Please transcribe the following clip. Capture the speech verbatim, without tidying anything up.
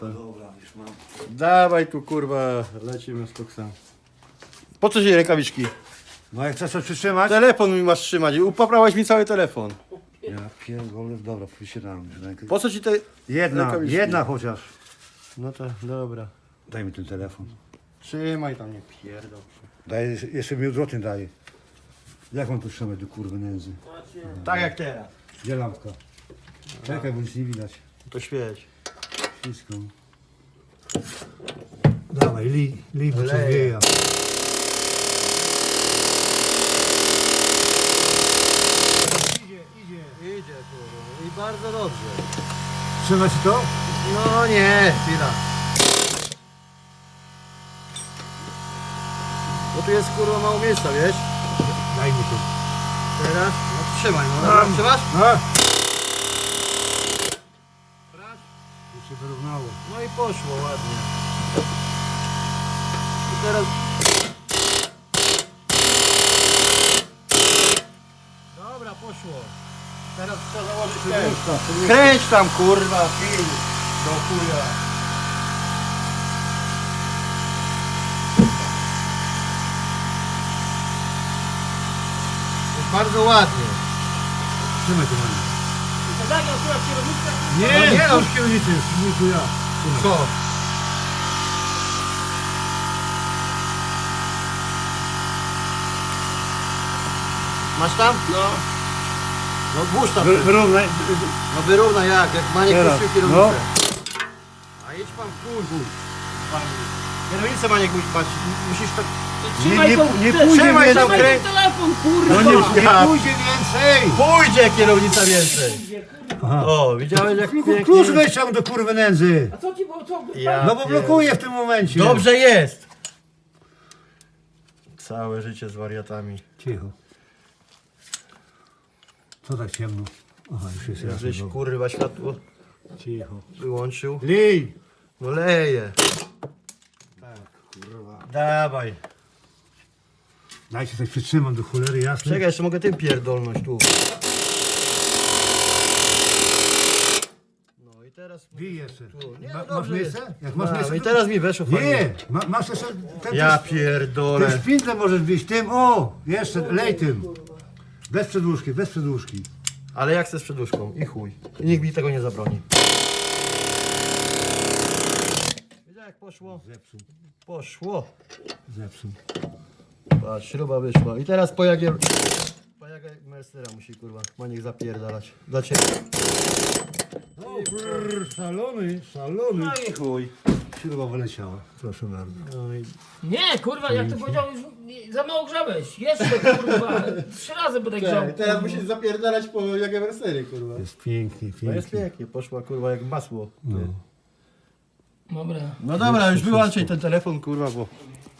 Dobra, już mam. Dawaj tu kurwa, lecimy z koksem. Po co ci rękawiczki? No jak chcesz coś przytrzymać? Telefon mi masz trzymać, upoprawiałeś mi cały telefon. Ja pierdolę, dobra, wysiadam. Po co ci te... Jedna, rękawiczki? jedna chociaż. No to dobra. Daj mi ten telefon. Trzymaj tam, nie pierdol. Daj, jeszcze mi odwrotnie daje. Jak mam tu trzymać do kurwy nędzy? Tak jak teraz. Gdzie lampka? Czekaj, bo nic nie widać. To świeć. Wszystko. Dawaj, li, li, bo co Leje. wieja. Idzie, idzie. Idzie kurwa i bardzo dobrze. Trzyma ci to? No nie, chwila. Bo tu jest kurwa mało miejsca, wiesz? Daj mi to. Teraz? No trzymaj, no dobra, Mam. trzymasz? No. Już się wyrównało. No i poszło ładnie. I teraz... Dobra, poszło. Teraz trzeba założyć kręć. Kręć tam kurwa, film. Do chuja. Jest bardzo ładnie. Trzymaj to mamy. Tak, akurat kierownica. Nie, nie, no, już kierownicy jest, nie tu ja. Co? Masz tam? No. No włóż tam. Wy, wyrównaj. No wyrówna jak, jak Maniek Teraz, puścił kierownicę. A jedź pan w chuj, chuj. Kierownicę Maniek musi patrzeć, musisz tak... Trzymaj nie- tą, nie te- pójdzie trzymaj więcej. trzymaj ten telefon, kurwa. No nie, Ja- nie pójdzie więcej. Pójdzie kierownica więcej. Aha. O, widziałeś jak pięknie... Klucz weź tam do kurwy nędzy. A co ci było, co? Ja No bo pier- blokuje w tym momencie. Dobrze jest. Całe życie z wariatami. Cicho. Co tak ciemno? Aha, już jest jasno. Żeś kurwa światło Cicho. wyłączył. Lij. No leje. Tak, kurwa. Dawaj. Dajcie coś przytrzymam do cholery jasnej. Czekaj, jeszcze mogę tym pierdolność tu. No i teraz... Bij jeszcze. Tu. Nie, Ma, no masz dobrze miejsce? jest. Jak masz A, miejsce, no i to- teraz mi weszło fajnie. Nie, ma, masz jeszcze ten, Ja ten, pierdolę. ten szpindel możesz bić tym, o, jeszcze, lej tym. Bez przedłużki, bez przedłużki. Ale jak chcę z przedłużką i chuj. I nikt mi tego nie zabroni. Widziałeś jak poszło? Zepsuł, Poszło. zepsuł. Patrz, śruba wyszła. I teraz po jagie... Po jagie Mercera musi kurwa Maniek zapierdalać. Dla ciebie. O, brrr, szalony, szalony. No i chuj. Śruba wyleciała, proszę bardzo. No i... Nie, kurwa, jak to powiedział, już nie- za mało grzałeś. Jeszcze, kurwa, trzy razy będę grzał. Teraz kurwa. musisz zapierdalać po jagie Mercery kurwa. Jest pięknie, No pięknie. jest pięknie, poszła kurwa jak masło. No. Dobra. No dobra, już wyłączaj ten telefon kurwa, bo...